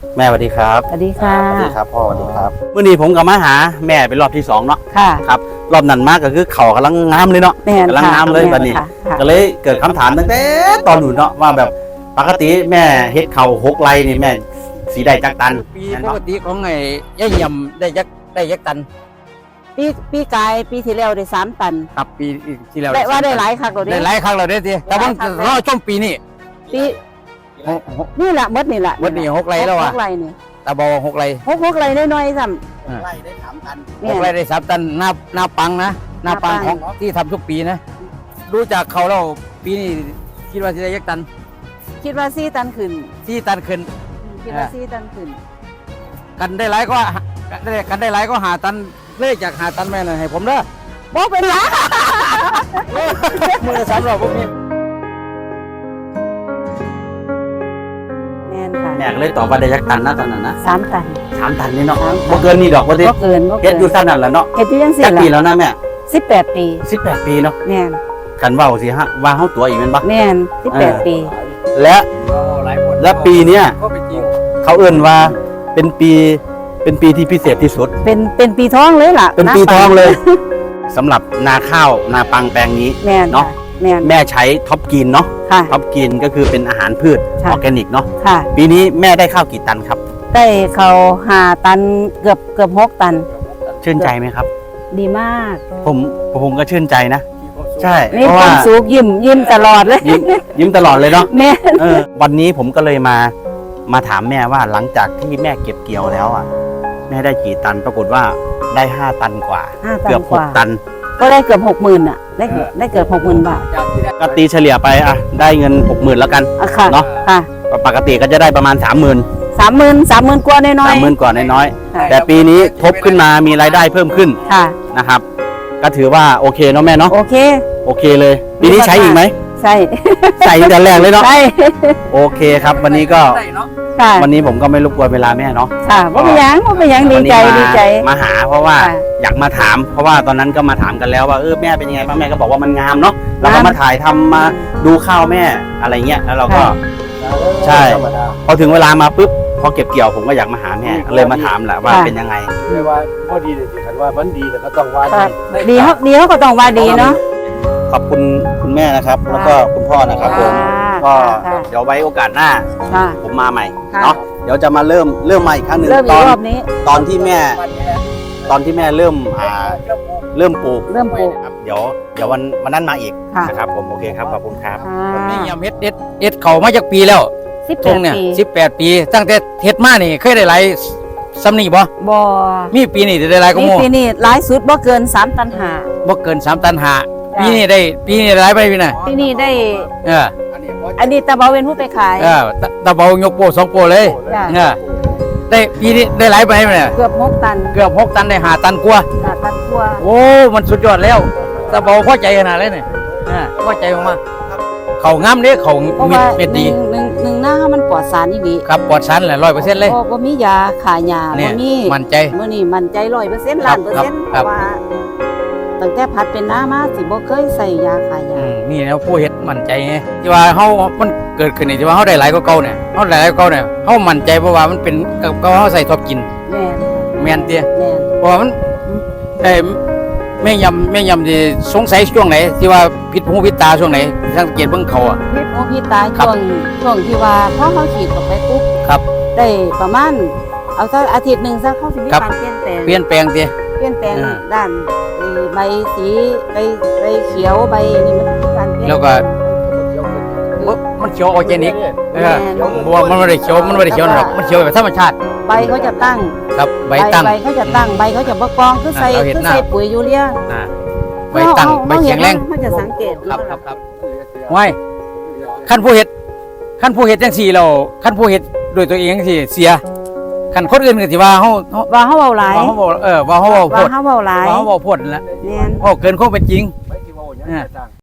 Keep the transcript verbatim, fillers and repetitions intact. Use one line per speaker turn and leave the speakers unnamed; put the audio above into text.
แม่สวัสดีครับ
สวัสดีค่ะ
สวัสดีครับพ่อสวัสดีครับเมื่อนี้ผมกับมาหาแม่เป็นรอบที่สองเนาะ
ค่ะ
ครับรอบนั้นมากก็คือเขากำลังงามเลยเนาะกำลังงามเลยแบบนี้ก็เลยเกิดคำถามตั้งแต่ตอนหนูเนาะว่าแบบปกติแม่เฮ็ดเข่าหกไรนี่แม่สีได้จักตัน
ปีปกติของไอ้ย่ายำได้ยักได้ยักตัน
ปีปีกายปีที่แล้วได้สามตัน
ครับปีที่แล้ว
ได้ว่าได้หลายครั้งเรา
ได้หลายครั้งเราได้ทีแต่ว่าเราช่วงปีนี้
ปีนี่แหละมดนี่แหละ
มดนี่หกไรแล้วอ่ะ
หกไรนี่
ตาบอหกไร
หกหกไรน้อยๆซ้
ำไรได้สามตัน
หกไรได้สามตันหน้าหน้าปังนะหน้าปังของที่ทำทุกปีนะรู้จักเขาแล้วปีนี้คิดว่าจะได้ยักตัน
คิดว่าสี่ตันขึ้น
สี่ตันขึ้น
คิดว่าสี่ตันขึ้น
กันได้หลายก็ได้กันได้หลายก็หาตันเลขจากหาตันแม่หน่อยให้ผมเด้อ
บ่เป็นไร
มือสามรอบพวกนี้
แม่นค่ะ
แม่ก็เลยตอบว่าได้จักตันนะตอนนั้นนะ
สามตัน
สามตันนี่เนาะบ่เกินนี่ดอกบ่ดิ
บ่เกินบ่เกิน
เฮ็ดอยู่สั้นนั่นแหละเนาะ
เฮ็ดอยู่จังซี่
ล่ะปีแล้วนะแม่
สิบแปดปี
สิบแปดปีเนาะ
แม่น
กันเว้าสิฮะว่าเฮาตัวอีกแม่นบ่
แม่นสิบแปดปี
และและปีเนี้ยเขาเอิ้นว่าเป็นปีเป็นปีที่พิเศษที่สุด
เป็นเป็นปีทองเลยล่ะ
เป็นปีทองเลยสำหรับนาข้าวนาปังแปลงนี้เนาะ
แม่
แม่ใช้ท็อปกินเนาะท็อปกินก็คือเป็นอาหารพืชออร์แกนิกเนาะปีนี้แม่ได้ข้าวกี่ตันครับ
ได้เขาห้าตันเกือบเกือบหกตัน
ชื่นใจไหมครับ
ดีมาก
ผมผมก็ชื่นใจนะใช่
เพราะว่าสุกยิ้มยิ้มตลอดเลย
ยิ้มยิ้มตลอดเลยเนาะ
แม่
วันนี้ผมก็เลยมามาถามแม่ว่าหลังจากที่แม่เก็บเกี่ยวแล้วอ่ะแม่ได้กี่ตันปรากฏว่าได้ห้าตันกว่าเกือบหกตัน
ก็ได้เกือบหกหมื่นอ่ะได้ได้เกือบหกหมื่นบาท
ก็ตีเฉลี่ยไปอ่ะได้เงินหกหมื่นแล้วกันเนาะปกติก็จะได้ประมาณสามหมื่น
สามหมื่นสามหมื่นกว่าน้อย
สามหมื่นกว่าน้อยแต่ปีนี้ทบขึ้นมามีรายได้เพิ่มขึ้นนะครับก็ถือว่าโอเคเนาะแม่เนาะ
โอเค
โอเคเลยปีนี้ใช้อีกไหม
ใช่
ใส่แต่แรกเลยเนาะ
ใช่
โอเคครับวันนี้ก็วันนี้ผมก็ไม่รบกวนเวลาแม่เนาะ
ค่ะว่าไปยังว่าไปยังดีใจดีใจ
มาหาเพราะว่าอยากมาถามเพราะว่าตอนนั้นก็มาถามกันแล้วว่าเออแม่เป็นยังไงบ้างแม่ก็บอกว่ามันงามเนาะเราก็มาถ่ายทำมาดูข้าวแม่อะไรเงี้ยแล้วเราก็ใช่พอถึงเวลามาปุ๊บพอเก็บเกี่ยวผมก็อยากมาหาแม่เลยมาถามแหละว่าเป็นยังไง
เรียกว่าพอดีเลยสิคันว่ามันดีแต่ก็ต้องว่าดี
ดีเขาดีเขาก็ต้องว่าดีเนาะ
ขอบคุณคุณแม่นะครับแล้วก็คุณพ่อนะครับผมก็เดี๋ยวไว้โอกาสหน้าผมมาใหม่เนาะเดี๋ยวจะมาเริ่มเริ่มใหม่อีกครั้งหนึ่ง
ตอน
ตอนที่แม่ตอนที่แม่เริ่มอ่าเริ่มปลูก
เริ่มปลูก
ครับเดี๋ยวเดี๋ยววันวันนั้นมาอีกนะครับผมโอเคครับขอบคุณครับ
นี่ยำเฮ็ดเฮ็ดเฮ็ดเขามาจากปีแล้วทงเนี่ยสิบแปดปีตั้งแต่เฮ็ดมานี่เคยได้หลายซ้ำนี่บ่
บ่
มีปีนี้ได้หลายก็โม่
ปีนี้หลายสุดบ่เกินสามตันห้า
บ่เกินสามตันห้าปีนี้ได้ปีนี้หลายไปปีน่ะ
ปีนี้ได้
เออ
อันนี้ตาเบาเป็นผู้ไปขาย
เออตาเบายกโปสองโปเลยเออได้ปีนี้ได้หลายไปไหมเนี่ย
เกือบหกตัน
เกือบหกตันได้ห้าตันกว่า
ห้าตันกว่า
โอ้มันสุดยอดแล้วตาเบาพอใจขนาดเลยเนี่ยอ่าพอใจมากเขางามเด้เขาเม็ดเม็ดดี
หนึ่งหนึ่งหน้ามันปลอดสารนี่ดี
ครับปลอดสารแหละร้อยเปอร์เซ็นต์เลย
บ่มียาขายยาบ่มี
มั่นใจ
มื้อนี้มั่นใจร้อยเปอร์เซ็นต์ล้านเปอร์เซ็นต์เพราะว่าตั้งแต่พัดเป็นน้ามาสิบ่เคยใส่ยาขายยา
นี่แล้วผู้เฮ็ดมั่นใจไงที่ว่าเฮามันเกิดขึ้นนี่ที่ว่าเฮาได้หลายกว่าเก่าเนี่ยเฮาได้หลายกว่าเก่าเนี่ยเฮามั่นใจเพราะว่ามันเป็นกับเฮาใส่ทบกิน
แม่น
แม่นเตี้ย
แม่น
เพราะว่ามันเอ้แม่ยำแม่ยำที่สงสัยช่วงไหนที่ว่าผิดหูผิดตาช่วงไหนสังเกตเบิ่งเขาอ่ะ
ผิดหูผิดตาช่วงช่วงที่ว่าพอเขาฉีดเข้าไปปุ๊บ
ครับ
ได้ประมาณเอาสักอาทิตย์นึงซะเขาสิมีการเปลี่ยนแปลง
เปลี่ยนแปลงเตี้ย
เปลี่ยนแปลงด้านใบสีใบใบเขียวใบนี่มันการเปลี่ยน
แล้วก็มันเขียวออร์แกนิกเออเพราะว่ามันไม่ได้เขียวมันไม่ได้เขียวหรอกมันเขียวแบบธรรมชาติ
ใบเขาจะตั้ง
ครับใบตั้ง
ใบเขาจะตั้งใบเขาจะบกองคือใส่คือใส่ปุ๋ยยูเรีย
ใบตั้งใบแข็งแรง
เขาจะสังเกต
ครับครับครับไว้ขั้นผู้เห็ดขั้นผู้เห็ดจังสี่เราขั้นผู้เห็ดโดยตัวเองจังสี่เสียขั้นคนอื่นก็สิว่าเฮา
ว่าเฮาเว้าหลาย
ว่าเฮาเว้าเออว่าเฮาเว้าโพด
ว่าเฮาเว้าหลาย
ว่าเฮาเว้าโพดนั่นแหละ
แม่น
เว้าเกินความเป็นจริง